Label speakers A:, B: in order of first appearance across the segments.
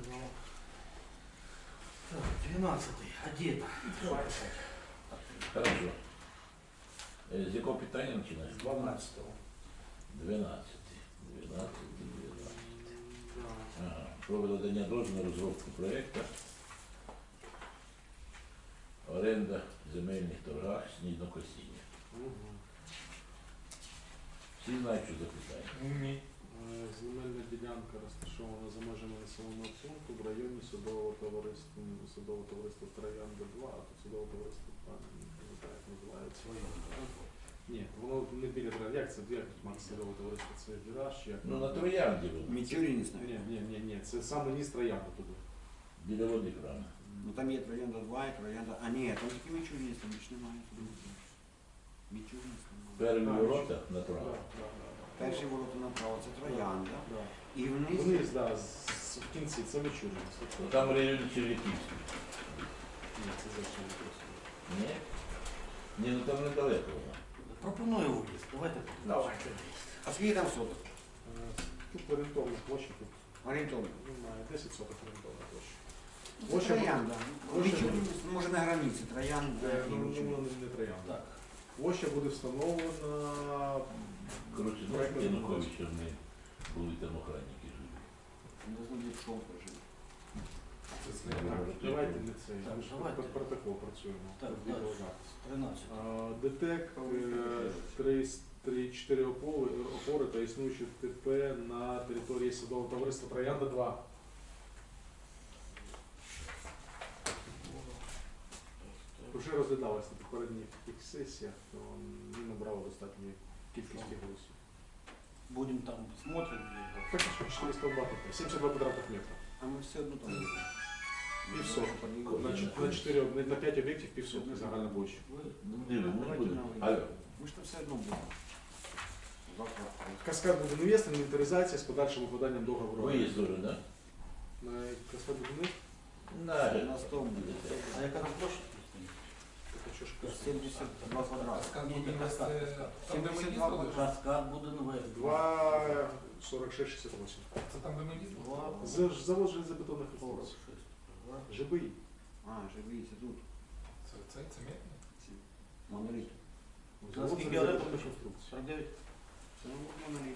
A: Так, 12-й, один.
B: Хорошо. З якого питання починаємо?
A: 12-го.
B: 12. Ага. Про видання дозволу на розробку проєкту. Оренда земельних торгах, сніднокосіння. Всі знають, що за питання?
C: Ні. Земельна ділянка розташована за межами населеного пункту в районі судового товариства Троянда 2, а тут судове товариство, не пам'ятаю, як називається. Ні, воно не біля Троянди. Як це? Як Макс судове товариство? Це Віраж? Як?
B: Ну на Троянді воно.
D: Мічуріні знають.
C: Ні, це саме низ Троянда туди.
B: Біля води правильно.
D: Ну там є Троянда 2 і Троянда... А ні, там тільки Мічуріні, там більше немає. Мічуріні немає.
B: Перві ворота направо.
D: Перші ворота направо, це Троянда.
C: Да.
D: І вниз...
C: Вниз, так, в кінці, це Мичурин.
B: Ну, там в районі Червяківський.
C: Ні, це зовсім не просто.
B: Ні? Ні, ну там недалеко воно.
A: Пропоную виїзд. Давайте.
D: А скільки там соток?
C: Тут орієнтовна площа, тут
D: Орієнтовно.
C: немає 10 соток орієнтовна площа.
D: Це
C: Площа
D: Троянда. Мічуріні, може на границі, Троянда і
C: Ну,
D: Мічуріні.
C: не Троянда.
A: Так.
C: Площа буде встановлена.
B: Коротше, знаєте, Януковича ми були там охранники живі.
D: Не знаю, що жив.
C: Так, давайте не це.
A: Так,
C: Ми ж
A: давайте.
C: під протокол працюємо.
A: Так,
C: Під
A: далі.
C: відеозапис.
A: 13.
C: ДТЕК 3-4 опори та існуючі ТП на території судового товариства Троянда 2. Вже розглядалось на попередніх таких сесіях, то не набрало достатньої кількості голосів.
A: Будем там смотрим.
C: Фактично 400 бат, 72 квадратних метра.
D: А ми все одно там будемо.
C: Півсотки. На 5 об'єктів півсотки загальна площа.
B: Ми будемо. Алло.
D: Ми ж там все одно будемо. Завтра.
C: Каскад будівництва, інвентаризація з подальшим укладанням договору.
B: Виїзд дуже, так?
C: На Каскад будівництва?
D: На 100 буде.
A: А яка там площа?
C: Так, а що ж
D: 72 квадрати.
A: Ні, каскад.
D: 72 квадрати.
A: Каскад буде новий.
C: 2,46,68.
E: Це там, де ми їздили?
C: Завод железобетонних конструкцій. ЖБІ.
D: А, живі, це тут.
E: Це мітно?
D: Моноліт.
C: Завод
A: Наскільки
C: железобетонних конструкцій.
A: 49.
D: Це моноліт.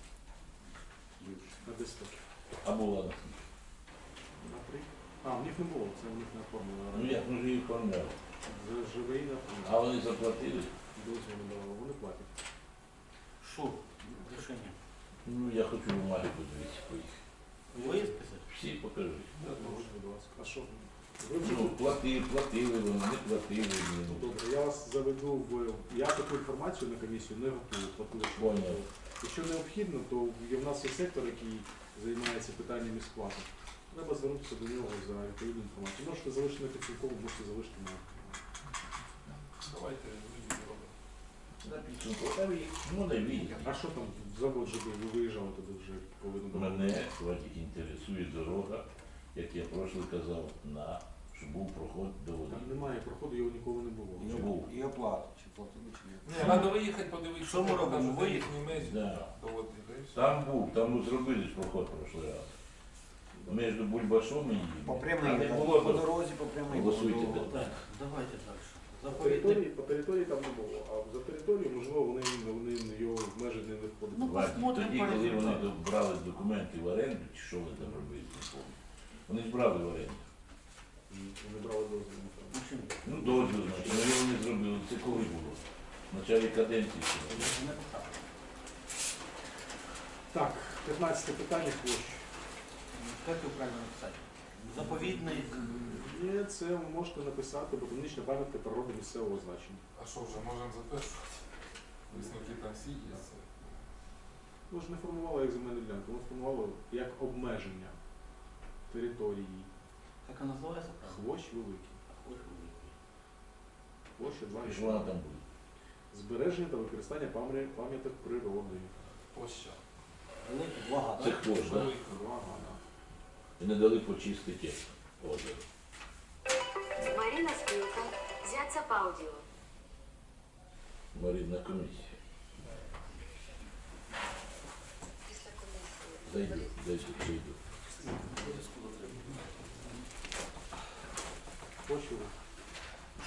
C: На 10 років.
B: А була на
C: На 3. А, в них не було, це в них не оформлено.
B: Ну як ми ж її оформляли?
C: ЖБІ не
B: А
C: оформлено.
B: вони заплатили?
C: Дозвіл не давали, вони платять.
A: Що? Рішення.
B: Ну я хочу бумаги подивитися по їх.
A: Виїзд писати?
B: Всі покажуть.
C: Можете, будь ласка. А що? Ви вже
B: Ну, платили вони, не платили.
C: Ну, добре, я вас заведу в... Я таку інформацію на комісію не готую.
B: Понял.
C: Якщо необхідно, то в нас є сектор, який займається питаннями сплати. Треба звернутися до нього за відповідну інформацію. Можете залишити на підсумкову, можете залишити на...
E: Давайте виїзд робимо.
B: На підсумку. Там їх, ну не війна.
C: А що там завод ЖБ? Ви виїжджали туди вже повинно було?
B: Мене інтересує дорога, як я прошлий казав, щоб був проход до води.
C: Там немає проходу, його ніколи не було.
B: Був.
D: І оплата. Чи платили, чи ні?
E: Ні, треба виїхати, подивитися.
A: Що ми робимо? Виїзд?
B: Да.
E: Доводити, да і все.
B: Там був, там зробили ж проход прошлий раз. Між Бульбашом і
D: По
B: їм.
D: прямій,
B: А не
D: по
B: було до-
D: дорозі, по прямій.
B: Голосуйте,
D: по дорозі.
A: Так, давайте далі.
C: По території там не було, а за територію, можливо, вони його в межі не виходять.
A: Ну,
B: Бачите,
A: посмотрим
B: тоді,
A: по
B: коли вони
A: результату.
B: брали документи в оренду, чи що вони там робили, не пам'ятаю. Вони ж брали в оренду.
C: Вони брали дозвіл.
A: Машину.
B: Ну, дозвіл, значить, але вони зробили. Це коли було? В началі каденції. ще.
A: Не поставили.
C: Так, 15 питання площі.
A: Як його правильно написати? Заповідний.
C: Ні, це ви можете написати ботанічна пам'ятка природи місцевого значення.
E: А що вже, можемо затверджувати? Висновки там всі є.
C: Ми ж не формували як земельну ділянку, ми формували як обмеження території.
A: Як вона називається?
C: Хвощ великий. Площа
B: І що вона
C: 2,6.
B: там буде?
C: Збереження та використання пам'яток природи.
E: Площа.
A: Великий, два
B: Це
A: гада.
B: хвощ, так?
E: Велика.
B: І не дали почистити озеро.
F: Марина Спилка, Зяца Паудио.
B: Марина комісія. Зайду, зайду.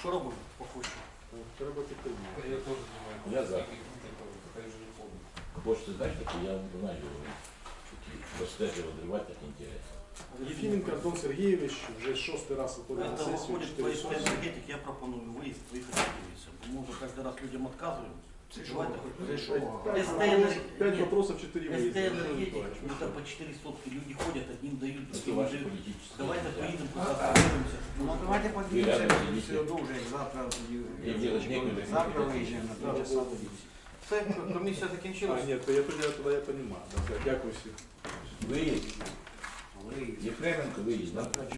A: Що робимо по Хущу?
C: Треба підтримати.
E: Я теж думаю,
B: Я за.
E: хай вже не ходить.
B: Хочете знать, так я знаю, розкажу, відривати, так інтересно.
C: Єфіменко Антон Сергійович вже 6-й раз виходить на
A: Это
C: сесію,
A: выходит
C: 4
A: по
C: сесії.
A: энергетик, я пропоную выезд, выехать в Киеве. Мы уже каждый раз людям отказываем. Давайте хоть
C: Пять вопросов, 4
A: СТ
C: выезда.
A: энергетик, это по 4 сотки, люди ходят, одним дают,
B: Це
A: другим
B: ваші
A: дают.
B: політичні.
A: Давайте
B: взгляди.
A: поедем туда, остановимся.
D: Ну давайте
B: рядом
D: подвинемся
B: сидите.
D: все одно уже завтра.
B: Я делать некуда.
D: Завтра выезжаем на 3 часа тоді.
A: Все, комісія
C: А,
A: закінчилась.
C: ні, то я тоді я розумію. Дякую всім.
B: Виїзд.
D: Выезд.
B: Єфременко виїзд, так?